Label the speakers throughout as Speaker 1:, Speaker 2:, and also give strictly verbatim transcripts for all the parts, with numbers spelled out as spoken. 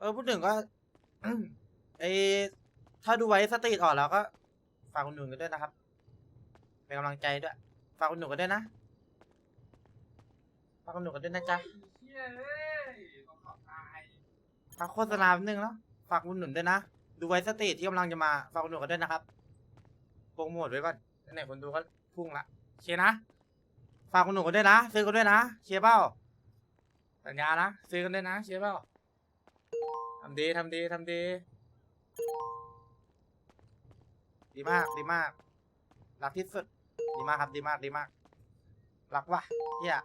Speaker 1: อพูดถึงก็ ไอถ้าดูไว้สตรีทออกแล้วก็ฝากคุณหนุ่มกันด้วยนะครับเป็นกำลังใจด้วยฝากคุณหนุ่มกันด้วยนะฝากคุณหนุ่มกันด้วยนะจ๊ะฝากโฆษณาแป๊บนึงแล้วฝากคุณหนุ่มด้วยนะดูไว้สตรีทที่กำลังจะมาฝากคุณหนุ่มกันด้วยนะครับโปรโมทไว้ก่อนไหนคนดูก็พุ่งละเชียร์นะฝากคุณหนุ่มกันด้วยนะซื้อกันด้วยนะเชียร์เปล่าสัญญานะซื้อกันด้วยนะเชียร์เปล่าทำดีทำดีทำดีดีมากดีมากรักที่สุดดีมากครับดีมากดีมากรักว่ะเฮีย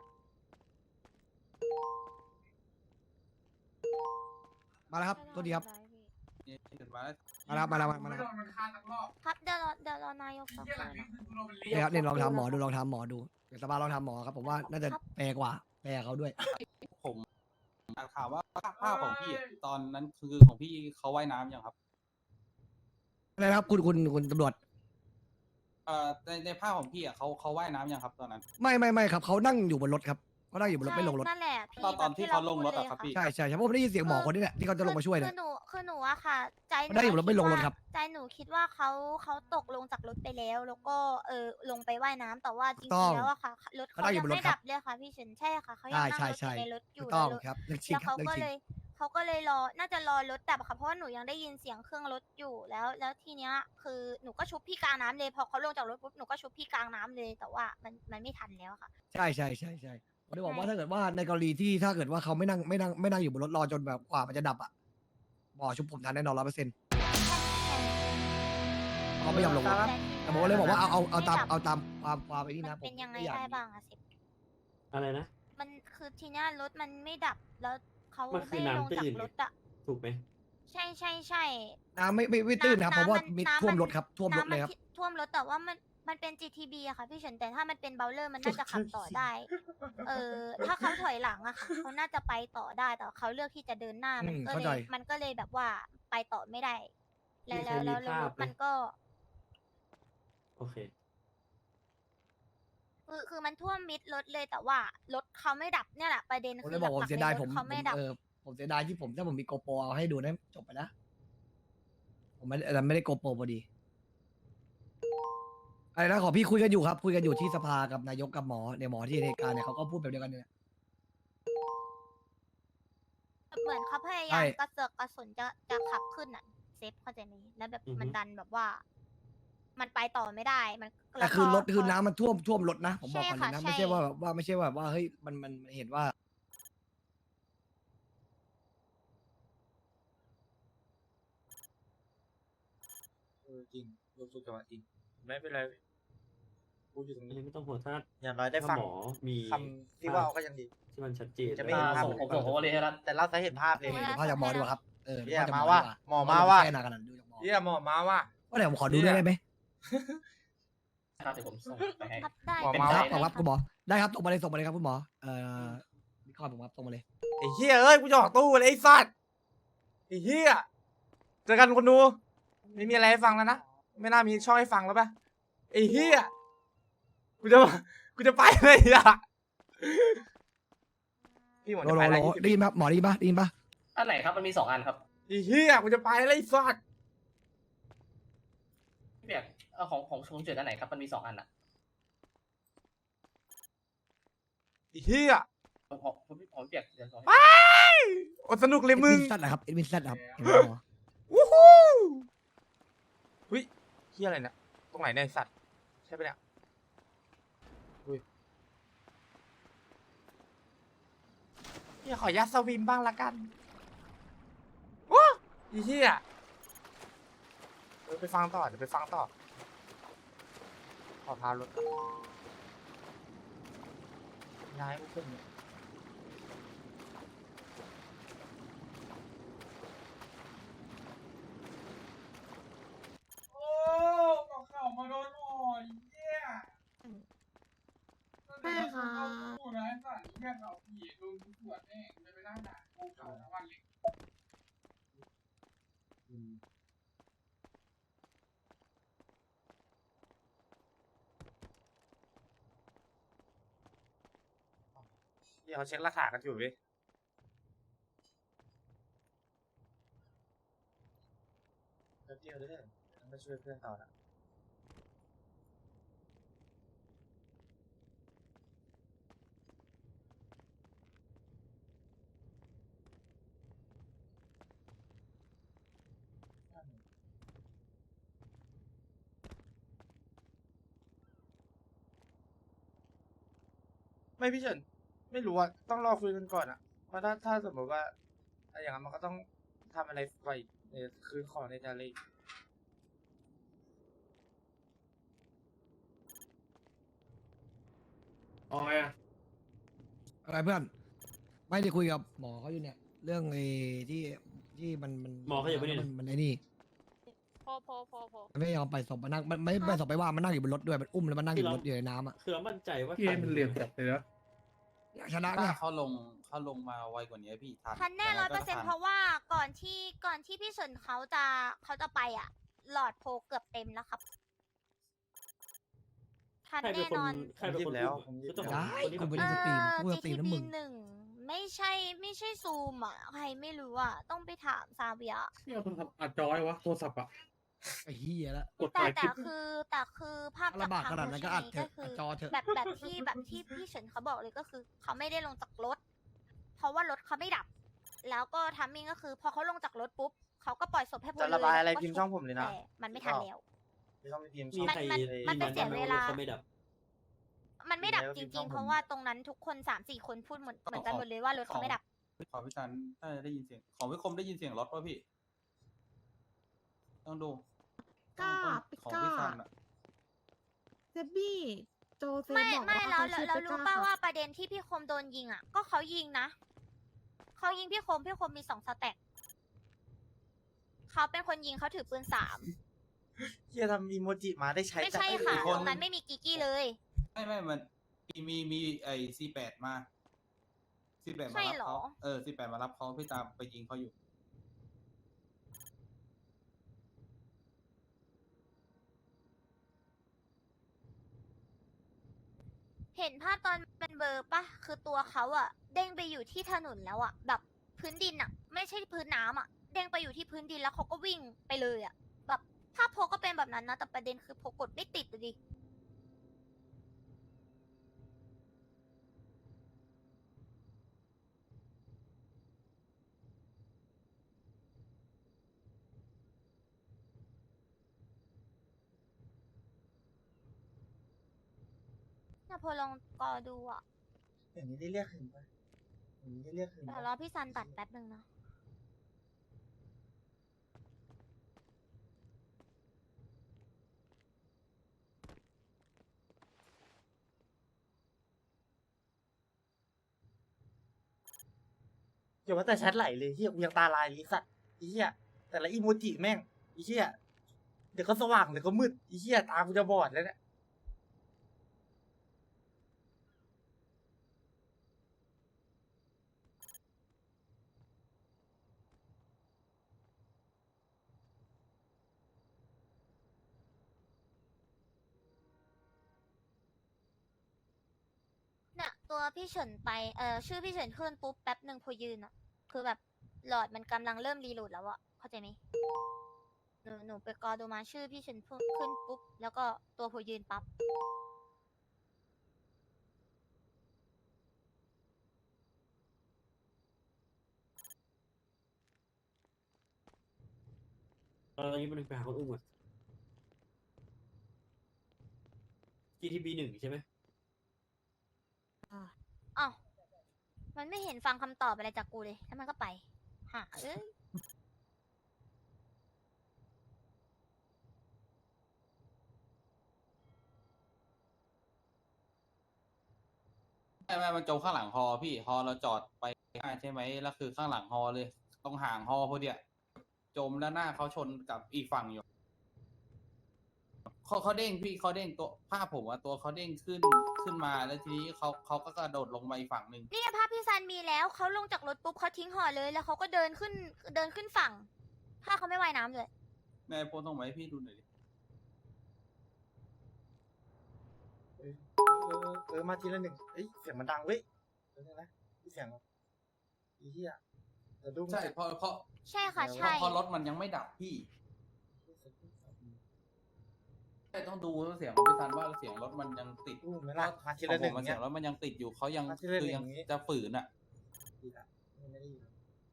Speaker 2: มาแล้วครับตัวดีครับ
Speaker 3: มาแล้ว
Speaker 2: มาแล้วมาแล้วมาแล้ว
Speaker 4: ครับเดี๋ยวรอเดี๋ยวรอนายกสักครู่นะ
Speaker 2: เนี่ยครับเนี่ยลองทำหมอดูลองทำหมอดูเดี๋ยวสบายลองทำหมอครับผมว่าน่าจะแปลกว่าแปลเขาด้วย
Speaker 3: ผมอ่านข่าวว่าภาพของพี่ตอนนั้นคือของพี่เขาว่ายน้ำยังครับ
Speaker 2: อะไรนะครับคุณคุณคุณตำรวจ
Speaker 3: เอ่อในในภาพของพี่อ่ะเขาเขาว่ายน้ำยังครับตอนนั้น
Speaker 2: ไม่ไม่ไม่ครับเขานั่งอยู่บนรถครับเขานั่งอยู่บนรถไม่ลงรถ
Speaker 4: นั่นแหละพี่
Speaker 3: ตอนตอนที่เขาลงรถอะครับ
Speaker 4: แบบ
Speaker 3: พี่
Speaker 2: ใช่ใช่ใช่เพราะผมได้ยินเสียงหมอคนนี้แหละที่เขาจะลงมาช่วย
Speaker 4: คื
Speaker 2: เนี่ย
Speaker 4: อหนูคือหนูอะค่ะ ใจหนู
Speaker 2: ได้อยู่แล้วไม่ลงรถครับ
Speaker 4: ใจหนูคิดว่าเขาเขาตกลงจากรถไปแล้ว แล้วก็เออลงไปว่ายน้ำแต่ว่าจริ
Speaker 2: ต้
Speaker 4: ง
Speaker 2: อง
Speaker 4: ๆแล้วอะค่ะรถ
Speaker 2: เขา
Speaker 4: เขา
Speaker 2: นั่งอยู่
Speaker 4: ยัง
Speaker 2: บนรถ
Speaker 4: ไม่
Speaker 2: ครั
Speaker 4: ดั
Speaker 2: บ
Speaker 4: บเลยค่ะพี่เฉินใช่ค่ะเขายั
Speaker 2: ใช่
Speaker 4: งนั่ง
Speaker 2: ใช่
Speaker 4: รถอ
Speaker 2: ใช่
Speaker 4: ยู่ในรถอ
Speaker 2: ถู
Speaker 4: ยู่
Speaker 2: กต้อง
Speaker 4: แล้ว
Speaker 2: ครับเรื่องจริง
Speaker 4: แล้ว
Speaker 2: ครับ
Speaker 4: เขา
Speaker 2: เรื่อง
Speaker 4: ก็
Speaker 2: จริง
Speaker 4: เลยเขาก็เลยรอน่าจะรอรถดับค่ะเพราะว่าหนูยังได้ยินเสียงเครื่องรถอยู่แล้ว แล้วทีเนี้ยคือหนูก็ชุบพี่กลางน้ำเลยพอเขาลงจากรถปุ๊บหนูก็ชุบพี่กลางน้ำเลย แต่ว่ามันมันไม่ทันแล้วค่ะ
Speaker 2: ใช่ใช่ใช่ใช่ผมจะบอกว่า
Speaker 4: ใช่
Speaker 2: ถ้าเกิดว่าในกรณีที่ถ้าเกิดว่าเขาไม่นั่งไม่นั่งไม่นั่งอยู่บนรถรอจนแบบกว่ามันจะดับอ่ะหมอชุบผมทันแน่นอนร้อยเปอร์เซ็นต์เขาไม่ยอมลงรถ
Speaker 4: แต่
Speaker 2: แต่ผมก็เลยบอกว่าเอาเอาเอาตาม
Speaker 4: ไม่ดับ
Speaker 2: เอาตามความความไอ้นี่
Speaker 4: มั
Speaker 2: นะ
Speaker 4: น
Speaker 2: ผม
Speaker 4: เป็นยังไง
Speaker 2: ม่อยาก
Speaker 4: ได้บ้างอะสิ
Speaker 5: อะไรนะ
Speaker 4: มันคือทีเนี้ยรถมันไม่ดับแล้วเขา
Speaker 5: มันคื
Speaker 4: ไม่
Speaker 5: อ
Speaker 4: ลง
Speaker 5: น้ำตื้
Speaker 4: จาก
Speaker 5: น
Speaker 4: รถอะ
Speaker 5: ถูกไหม
Speaker 4: ใช่ใช่ใช่
Speaker 2: น้ำไม่ไม่ไม่ตื้นนะครับเพราะว่ามิด
Speaker 4: น้ำ
Speaker 2: ท่วม
Speaker 4: น
Speaker 2: รถครับท่วมรถ
Speaker 4: น้ำ
Speaker 2: เลยครับ
Speaker 4: ที่ท่วมรถแต่ว่ามันมันเป็น จี ที บี อะค่ะพี่เฉินแต่ถ้ามันเป็นเบลเลอร์มันน่าจะขับต่อได้ เออถ้าเขาถอยหลังอะค่ะเขาน่าจะไปต่อได้แต่เขาเลือกที่จะเดินหน้ามัน
Speaker 2: อืม
Speaker 4: ก็
Speaker 2: เข้า
Speaker 4: เล
Speaker 2: ใจ
Speaker 4: ยมันก็เลยแบบว่าไปต่อไม่ได้ แล้ว
Speaker 5: มีใคร
Speaker 4: แล้ว
Speaker 5: มี
Speaker 4: แล้วแล้ว
Speaker 5: ภาพ
Speaker 4: รถ
Speaker 5: ไหม
Speaker 4: มันก็
Speaker 5: โอเค
Speaker 4: คือคือมันท่วมมิดรถเลยแต่ว่ารถเขาไม่ดับเนี่ยแหละประเด็น
Speaker 2: ผม
Speaker 4: คื
Speaker 2: เล
Speaker 4: อย
Speaker 2: บอกผม
Speaker 4: หลักๆ
Speaker 2: เสีย
Speaker 4: เล
Speaker 2: ดาย
Speaker 4: ยร
Speaker 2: ผ
Speaker 4: ถ
Speaker 2: ม
Speaker 4: เขา
Speaker 2: ผ
Speaker 4: ไม่
Speaker 2: ม
Speaker 4: ดับ
Speaker 2: เออผมเสียดายที่ผมถ้าผมมีโกโปรเอาให้ดูนะจบไปนะผมไม่แต่ไม่ได้โกโปรพอดีอะไรนะขอพี่คุยกันอยู่ครับ คุยกันอยู่ที่สภากับนายกกับหมอเนี่ยหมอที่ในเหตุการณ์เนี่ยเขาก็พูดแบบเดียวกันเนี่ย
Speaker 4: เหมือนเขาพยายา
Speaker 2: ใช่
Speaker 4: มกระเสือกกระสนจะจะขับขึ้นอ่ะเซฟเข้าใจไหมแล้วแบบ
Speaker 5: อือฮึ
Speaker 4: มันดันแบบว่า มันไปต่อไม่ได้มัน
Speaker 2: แต่คือ
Speaker 4: ล้ว
Speaker 2: ร
Speaker 4: ก็
Speaker 2: ถคือ
Speaker 4: พ
Speaker 2: น้ำมันท่วมท่วมรถนะผมบอก
Speaker 4: ใช่
Speaker 2: ก่อนเลย
Speaker 4: ค่ะ
Speaker 2: นะ
Speaker 4: ใช่
Speaker 2: ไม่ใช่ว่าแบบว่าไม่ใช่ว่าแบบว่าเฮ้ยมันมันเห็นว่า
Speaker 1: เออจริงรู้สึกจังหวะจริงไม่เป็นไรพูดอยู่ตรง
Speaker 5: อัน
Speaker 1: นี้
Speaker 5: นี้ไม่ต้องห่วงถ้า
Speaker 1: อย่างน้อยได้
Speaker 5: ถ้า
Speaker 1: ฟัง
Speaker 5: หมอมี
Speaker 1: คำที่ว่าก็ยังดี
Speaker 5: ที่มันชัดเจน
Speaker 1: จะไม่
Speaker 5: แล้ว
Speaker 1: เห็นภาพ
Speaker 5: ส่ง
Speaker 1: ผม
Speaker 5: ส่ง
Speaker 1: ผมก็เลยให้รัฐแต่เราจะเห็นภาพเลย
Speaker 4: ไม่
Speaker 2: เดี๋
Speaker 4: ได้
Speaker 2: ยวพ่อจากหมอดีกว่าครับเออ
Speaker 1: เหี้ย
Speaker 2: ดี๋วพ่อ
Speaker 1: มา
Speaker 2: จาก
Speaker 1: ว่ะ
Speaker 2: ดีก
Speaker 1: หมอมาว่ะ
Speaker 2: แค่นากันนะดูจากหมอ
Speaker 1: เฮียหมอมาว่ะ
Speaker 2: ก็เดี๋ยวผมขอดูด้วยได้ไหม
Speaker 6: ครับเดี๋ยวผมส่งไปให้
Speaker 4: ครับได้
Speaker 1: หมอ
Speaker 2: เป็น
Speaker 1: มา
Speaker 2: ค
Speaker 1: ว่ะ
Speaker 2: รับขอบครับคุณหมอได้ครับส่งมาเลยส่งมาเลยครับคุณหมอเอ่อนี่ข้อผมครับส่งมาเลย
Speaker 1: ไอ้เฮียเอ้ยกูจะออกตู้เลยไอ้สัตว์ไอ้เฮียเจอกันคนดูไม่มีอะไรให้ฟังแล้วนะไม่น่ามีช่องให้ฟังแล้วปะไอ้เฮียกูจะกูจะไปเลยอ่ะพี่หมอ
Speaker 2: โล
Speaker 1: จะ
Speaker 2: โล
Speaker 1: ไป
Speaker 2: โล
Speaker 1: แล้ว
Speaker 2: ได้ยินปะหมอได้ยินปะได้ยินปะ
Speaker 6: อันไหนครับมันมีสองอันครับ
Speaker 1: ไอ้เฮียกูจะไปแล้วไอ้สัตว์
Speaker 6: พี่เปียกเอาของของชงเจิดอันไหนครับมันมีสองอันอ่ะ
Speaker 1: ไอ้เฮีย
Speaker 6: ของของของพี่ของพี่เปียกเดี๋ยวส่ง
Speaker 1: ไปอดสนุกเลยมึง
Speaker 2: เอ็ดมินซัดนะครับเอ็ดมินซัดครับเห็นไหมหมอ
Speaker 1: วู้ฮู้เฮ้ยเฮียอะไรเนี่ยตรงไหนเนี่ยไอ้สัตว์ใช่ปะเนี่ยอุ้ยเฮียขอยัดสวิมบ้างละกันโอ้ยเฮียเออไปฟังต่อเดี๋ยวไปฟังต่อขอพารถก่อนย้ายกูขึ้นเนี่ยโอ้กับข่าวมาโดนหน่อยเฮีย
Speaker 4: ได้ค่ะ
Speaker 1: กูนะไอ้สัตว์เฮียเขาผีโดนกูปวดแน่จะไปนั่งด่ากูเก่าทั้งวันเลยเดี๋ยวเขาเช็คราคากันอยู่เว้ยเดียวเด้อต้องไปช่วยเพื่อนต่อละไม่พี่เฉินไม่รู้อะต้องรอคุยกันก่อนอะเพราะถ้าถ้าสมมติว่าถ้าอย่างนั้นมันก็ต้องทำอะไรไปเนี่ยคือของในทะเล
Speaker 7: อ๋ออะ
Speaker 2: อะไรเพื่อน ไม่ได้คุยกับหมอเขาอยู่เนี่ย เรื่องไอ้ที่ที่มันมัน
Speaker 5: หมอเขาอยู่ปะเนี่ย
Speaker 2: มันมันไอ้นี่
Speaker 4: โพโพโพโพ
Speaker 2: มันไม่ยอมไปศพมานั่งมันไม่ไปศพไปว่ามันนั่งอยู่บนรถด้วยมันอุ้มแล้วมันนั่งอยู่บนรถอยู่ในน้ำอ่ะ
Speaker 5: คือเรามั่นใจว่า
Speaker 7: พี่เอ็มมันเหลี่ยมจัดเลยนะ
Speaker 2: อยากชนะ
Speaker 3: ถ้า
Speaker 2: ไง
Speaker 3: เขาลงเขาลงมาไวกว่านี้พี่ทัน
Speaker 4: ทันแน่
Speaker 3: ยัง
Speaker 4: ร้
Speaker 3: ไง
Speaker 4: อยเปอ
Speaker 3: ก็
Speaker 4: ร์เซ็นต์
Speaker 3: ทัน
Speaker 4: เพราะว่าก่อนที่ก่อนที่พี่เฉินเขาจะเขาจะไปอ่ะ หลอดโพเกือบเต็มแล้วครับ ทัน
Speaker 5: ใครเป็น
Speaker 4: แน่
Speaker 5: คน
Speaker 4: นอน
Speaker 5: ใครเป็นคน
Speaker 1: ผมหยิบแล้ว
Speaker 5: พูด
Speaker 1: ผมหยิบ
Speaker 5: คือต้อง
Speaker 2: ได้
Speaker 5: คนที่
Speaker 2: กู
Speaker 5: ผม
Speaker 2: ไม่
Speaker 5: พู
Speaker 2: ได้
Speaker 5: ด
Speaker 2: สตรีมกูจะสตรีมน้ำมึง
Speaker 4: จี ที บี หนึ่งไม่ใช่ไม่ใช่ซูมอ่ะ ใครไม่รู้อ่ะ ต้องไปถามซาเบีย
Speaker 7: พี่เอาโทรศัพท์อัดจอไว้วะโทรศัพท์อะ
Speaker 2: ไอ้เหี้ยละ
Speaker 7: กด
Speaker 4: แต่
Speaker 7: ถ่ายค
Speaker 4: แต่
Speaker 7: ลิป
Speaker 4: คือแต่คือภาพจาก
Speaker 2: ลำบาก
Speaker 4: ทาง
Speaker 2: ขนาดนั้นก็อัดเถ
Speaker 4: ก็
Speaker 2: อะ
Speaker 4: คื
Speaker 2: อัด
Speaker 4: อ
Speaker 2: จอเถอะ
Speaker 4: แบบแบบที่แบบที่พี่เฉินเขาบอกเลยก็คือ เขาไม่ได้ลงจากรถ เพราะว่ารถเขาไม่ดับ แล้วก็ทัมมิ่งก็คือ พอเขาลงจากรถปุ๊บเขาก็ปล่อยศพให้พล
Speaker 1: จะระบายอะไร
Speaker 4: แล้วก็
Speaker 1: พิมพ์ช่องผมเลยนะ
Speaker 4: แต่มันไม่ทันแล้ว
Speaker 1: ไม่ต้องไปพิมพ์
Speaker 5: มี
Speaker 1: ช่อง
Speaker 5: ใคร
Speaker 4: มันมันเป็น
Speaker 5: ยื
Speaker 4: เสีย
Speaker 5: ยัไห
Speaker 4: เวลา
Speaker 5: เขาไม่ดับ
Speaker 4: มันไม่ดับ
Speaker 1: แล้ว
Speaker 4: จ
Speaker 1: พิมพ์ช่
Speaker 4: ริ
Speaker 1: อง ง
Speaker 4: ๆ เพ
Speaker 1: ผม
Speaker 4: ราะว่าตรงนั้นทุกคนสามสี่คนพูดเหมือนเหมือนกันหมดเลยว่ารถเขาไม่ดับ
Speaker 3: ขอพี่ซันน่าจะได้ยินเสียง ของพี่คมได้ยินเสียงรถป่ะพี่ ต้องดู
Speaker 8: ก้า
Speaker 3: ต้อง
Speaker 8: ปิ
Speaker 3: ของ
Speaker 8: ก้า
Speaker 3: พี่ซันอะ
Speaker 8: เซบบี้โจเซฟ
Speaker 4: ไม่
Speaker 8: บอก
Speaker 4: ไม่
Speaker 8: ว่า
Speaker 4: แล้ว
Speaker 8: เขา
Speaker 4: แล้ว
Speaker 8: ชื่อ
Speaker 4: แล้วรู้
Speaker 8: ปิก้
Speaker 4: ป่า
Speaker 8: ค่ะ
Speaker 4: ว่าประเด็นที่พี่คมโดนยิงอ่ะ ก็เขายิงนะเขายิงพี่คมพี่คมมีสองสแต็กเขาเป็นคนยิงเขาถือปืนสาม
Speaker 1: เฮียทำอีโมจิมาได้ใช้
Speaker 4: ไม่
Speaker 1: แต่
Speaker 4: ใช่ค่ะ
Speaker 3: อีก
Speaker 4: ต
Speaker 3: คน
Speaker 4: รงนั้นไม่มีกิกกี้เลย
Speaker 3: ไม่ไม่มันมีมีมีไอซีแปดมาซีแปดมา
Speaker 4: ใช่
Speaker 3: รับ
Speaker 4: เหรอ
Speaker 3: เขาเออซีแปดมารับเขาพี่ตามไปยิงเขาอยู่
Speaker 4: เห็นภาพตอนเป็นเบอร์ปะคือตัวเขาอะเด้งไปอยู่ที่ถนนแล้วอะแบบพื้นดินอะไม่ใช่พื้นน้ำอะเด้งไปอยู่ที่พื้นดินแล้วเขาก็วิ่งไปเลยอะแบบภาพโพก็เป็นแบบนั้นนะแต่ประเด็นคือโพกดไม่ติดอะดิ น่าพอลองกอดูอ่ะ
Speaker 1: อย่างนี้ได้เรียกหึงปะอย่างนี้ได้เรียกหึง
Speaker 4: เดี๋ยว
Speaker 1: ปะ
Speaker 4: รอพี่ซันตัดแป๊บนึงนะ
Speaker 1: อย่าว่าแต่แชทไหลเลยเฮียกูยังตาลายเลยสัตว์ไอ้เฮียแต่ละอีโมจิแม่งไอ้เฮียเดี๋ยวก็สว่างเดี๋ยวก็มืดไอ้เฮียตากูจะบอดแล้วเนี่ย
Speaker 4: เนี่ยตัวพี่เฉินไปเอ่อชื่อพี่เฉินขึ้นปุ๊บแป๊บหนึ่งพอยืนอ่ะ คือแบบหลอดมันกำลังเริ่มรีโหลดแล้วอ่ะ เข้าใจไหมหนูหนูไปกอดูมาชื่อพี่เฉินขึ้นปุ๊บ แล้วก็ตัวพอยืนปั๊บ
Speaker 5: ตอนนี้มันไปหาคนอุ้มก่อน จี ที บี หนึ่งใช่ไหม
Speaker 4: อ้าว มันไม่เห็นฟังคำตอบอะไรจากกูเลย แล้วมันก็ไปหาเอ้ย
Speaker 3: ไม่ไม่มันจมข้างหลังฮอพี่ฮอเราจอดไปได้ใช่ไหมแล้วคือข้างหลังฮอเลยตรงห่างฮอพอดีอะจมแล้วหน้าเขาชนกับอีกฝั่งอยู่เขาเขาเด้งพี่เขาเด้งตัวภาพผมอะตัวเขาเด้งขึ้นขึ้นมาแล้วทีนี้เขาเขาก็กระโดดลงมาอีกฝั่งหนึ่ง
Speaker 4: นี่ไงภาพพี่ซันมีแล้ว เขาลงจากรถปุ๊บเขาทิ้งห่อเลย แล้วเขาก็เดินขึ้นเดินขึ้นฝั่ง ถ้าเขาไม่ว่ายน้ำเลย
Speaker 3: นายโพสต์ตรงไหนพี่ดูหน่อยดิ
Speaker 1: เออเออเออมาทีละหนึ่งเอ้ยเสียงมันดังเว้ยเดี๋ยวนะเสียงไอ้เฮียเดี๋ยวดู
Speaker 3: ใช่เพราะเพราะ
Speaker 4: ใช่ค่ะ
Speaker 3: เพราะ
Speaker 4: ใช่
Speaker 3: เพราะรถมันยังไม่ดับพี่แต่ต้องดูเสียงของพี่ซันว่าเสียงรถมันยังติด
Speaker 1: อู้ไม่ละมาที
Speaker 3: ขอ
Speaker 1: ละ
Speaker 3: ง
Speaker 1: ห
Speaker 3: ผ
Speaker 1: นึ่
Speaker 3: ม
Speaker 1: ง
Speaker 3: มันเสี
Speaker 1: เนี่ย ย
Speaker 3: งรถมันยังติดอยู่เขายัง
Speaker 1: มาทีละ
Speaker 3: คือ
Speaker 1: หนึ่ง
Speaker 3: ยัง
Speaker 1: อย่างงี้
Speaker 3: จะฝืนอ่ะ
Speaker 1: ดีละไม่ได้ยิน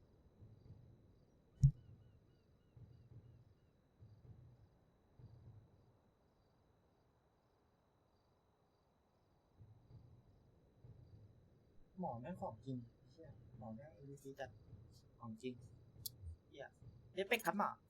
Speaker 1: หมอแม่งของจริงเหี้ยหมอแม่งเอวีซีจัดของจริงเหี้ยเอฟเฟกต์ครับหมอ